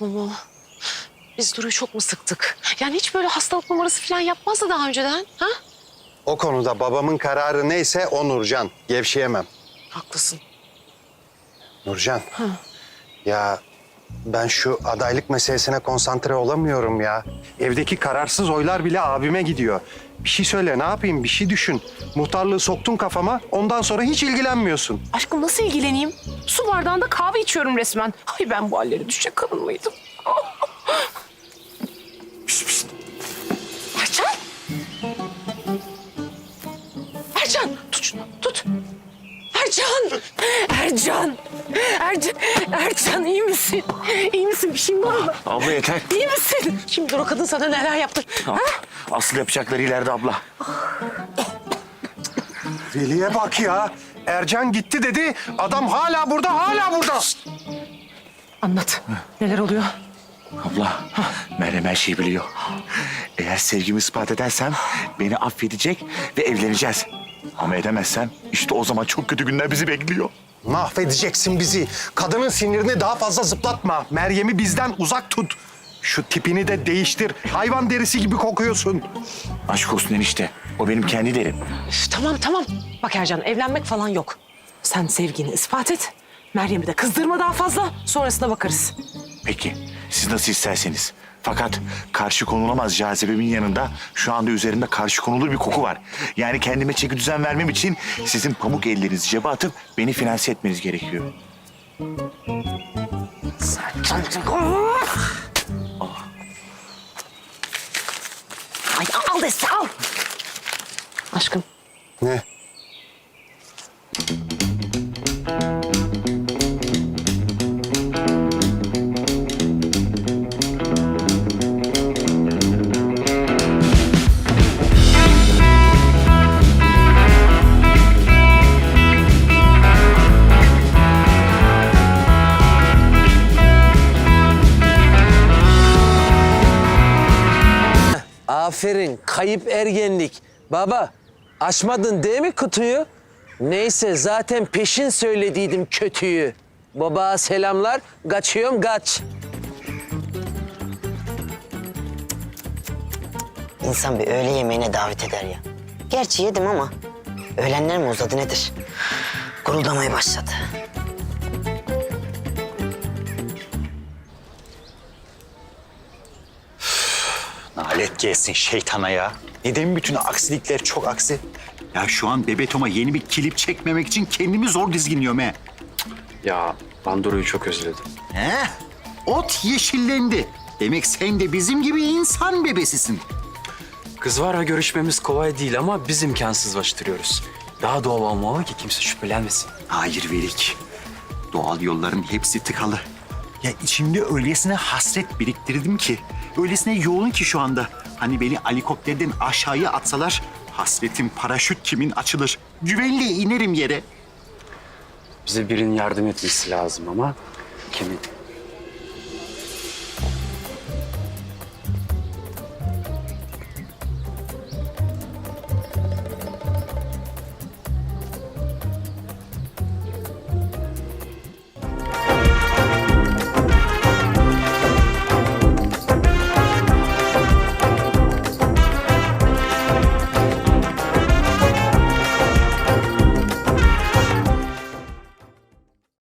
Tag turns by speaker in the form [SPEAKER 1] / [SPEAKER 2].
[SPEAKER 1] Mumu, biz Duru'yu çok mu sıktık? Yani hiç böyle hastalık numarası falan yapmazdı daha önceden, ha?
[SPEAKER 2] O konuda babamın kararı neyse o Nurcan. Gevşeyemem.
[SPEAKER 1] Haklısın.
[SPEAKER 2] Nurcan. Ya ben şu adaylık meselesine konsantre olamıyorum ya. Evdeki kararsız oylar bile abime gidiyor. Bir şey söyle, ne yapayım? Bir şey düşün. Muhtarlığı soktun kafama, ondan sonra hiç ilgilenmiyorsun.
[SPEAKER 3] Aşkım nasıl ilgileneyim? Su bardağında kahve içiyorum resmen. Ay ben bu hallere düşecek kadın mıydım? Pişt pişt. Ercan! Ercan! Tut şunu, tut. Ercan! Ercan! Ercan iyi misin? İyi misin? Bir şeyin var mı?
[SPEAKER 4] Abla yeter.
[SPEAKER 3] İyi misin?
[SPEAKER 1] Şimdi o kadın sana neler yaptı? Ha?
[SPEAKER 4] Asıl yapacakları ileride abla.
[SPEAKER 2] Veli'ye bak ya. Ercan gitti dedi. Adam hala burada, hala burada.
[SPEAKER 3] Anlat. Neler oluyor?
[SPEAKER 4] Abla, Meryem her şeyi biliyor. Eğer sevgimi ispat edersem beni affedecek ve evleneceğiz. Ama edemezsem işte o zaman çok kötü günler bizi bekliyor.
[SPEAKER 2] Mahvedeceksin bizi. Kadının sinirini daha fazla zıplatma. Meryem'i bizden uzak tut. Şu tipini de değiştir. Hayvan derisi gibi kokuyorsun.
[SPEAKER 4] Aşk olsun enişte. O benim kendi derim.
[SPEAKER 1] Üf, tamam. Bak Ercan, evlenmek falan yok. Sen sevgini ispat et. Meryem'i de kızdırma daha fazla. Sonrasına bakarız.
[SPEAKER 4] Peki, siz nasıl isterseniz. Fakat karşı konulamaz cazibemin yanında şu anda üzerimde karşı konulur bir koku var. Yani kendime çeki düzen vermem için sizin pamuk ellerinizi cebe atıp beni finanse etmeniz gerekiyor.
[SPEAKER 1] Ay al dese al. Aşkım.
[SPEAKER 2] Ne?
[SPEAKER 5] Aferin, kayıp ergenlik. Baba, açmadın değil mi kutuyu? Neyse, zaten peşin söylediydim kötüyü. Baba selamlar, kaçıyorum kaç.
[SPEAKER 6] İnsan bir öğle yemeğine davet eder ya. Gerçi yedim ama öğlenler mi uzadı nedir? Guruldamaya başladı.
[SPEAKER 7] Nalet gelsin şeytana ya. Neden bütün aksilikler çok aksi? Ya şu an Bebeto'ma yeni bir klip çekmemek için kendimi zor dizginliyorum he.
[SPEAKER 8] Ya ben Duru'yu çok özledim.
[SPEAKER 7] He? Ot yeşillendi. Demek sen de bizim gibi insan bebesisin.
[SPEAKER 8] Kız var görüşmemiz kolay değil ama biz imkansızlaştırıyoruz. Daha doğal olmalı ki kimse şüphelenmesin.
[SPEAKER 7] Hayır Velik. Doğal yolların hepsi tıkalı. Ya içimde öylesine hasret biriktirdim ki, öylesine yoğun ki şu anda. Hani beni helikopterden aşağıya atsalar, hasretim paraşüt kimin açılır. Güvenle inerim yere.
[SPEAKER 8] Bize birinin yardım etmesi lazım ama kimin?